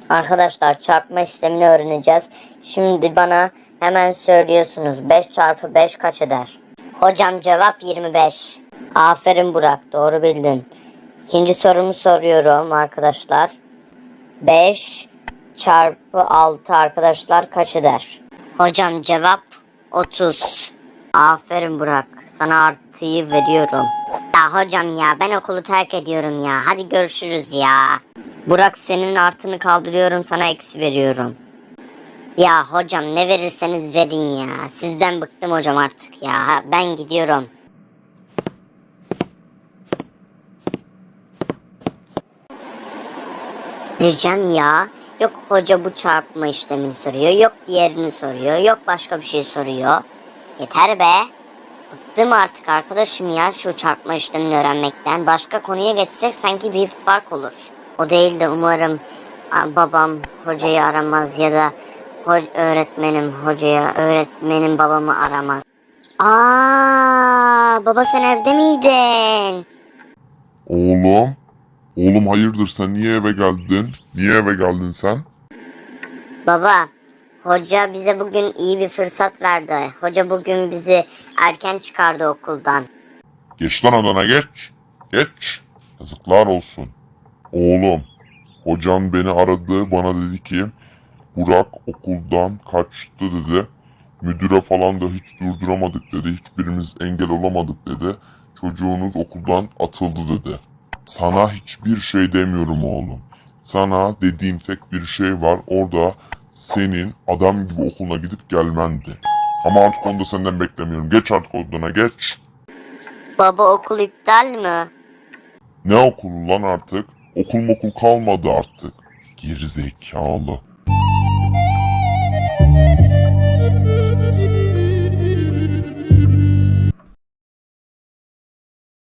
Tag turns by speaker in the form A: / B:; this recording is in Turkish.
A: Arkadaşlar çarpma işlemini öğreneceğiz. Şimdi bana hemen söylüyorsunuz. 5 çarpı 5 kaç eder? Hocam cevap 25. Aferin Burak, doğru bildin. İkinci sorumu soruyorum arkadaşlar. 5 çarpı 6 arkadaşlar kaç eder? Hocam cevap 30. Aferin Burak. Sana artıyı veriyorum. Ya hocam ya, ben okulu terk ediyorum ya. Hadi görüşürüz ya. Burak, senin artıni kaldırıyorum, sana eksi veriyorum. Ya hocam, ne verirseniz verin ya. Sizden bıktım hocam artık ya. Ben gidiyorum. Diyeceğim ya. Yok hoca bu çarpma işlemini soruyor. Yok diğerini soruyor. Yok başka bir şey soruyor. Yeter be. Bıktım artık arkadaşım ya şu çarpma işlemini öğrenmekten. Başka konuya geçsek sanki bir fark olur. O değil de umarım babam hocayı aramaz ya da öğretmenim babamı aramaz. Baba, sen evde miydin?
B: Oğlum hayırdır, sen niye eve geldin? Niye eve geldin sen?
A: Baba, hoca bize bugün iyi bir fırsat verdi. Hoca bugün bizi erken çıkardı okuldan.
B: Geç lan odana, geç. Geç. Yazıklar olsun. Oğlum, hocam beni aradı, bana dedi ki Burak okuldan kaçtı dedi. Müdüre falan da hiç durduramadık dedi. Hiçbirimiz engel olamadık dedi. Çocuğunuz okuldan atıldı dedi. Sana hiçbir şey demiyorum oğlum. Sana dediğim tek bir şey var. Orada senin adam gibi okuluna gidip gelmendi. Ama artık onu da senden beklemiyorum. Geç artık odana, geç.
A: Baba, okul iptal mi?
B: Ne okulu lan artık? Okul kalmadı artık. Geri zekalı.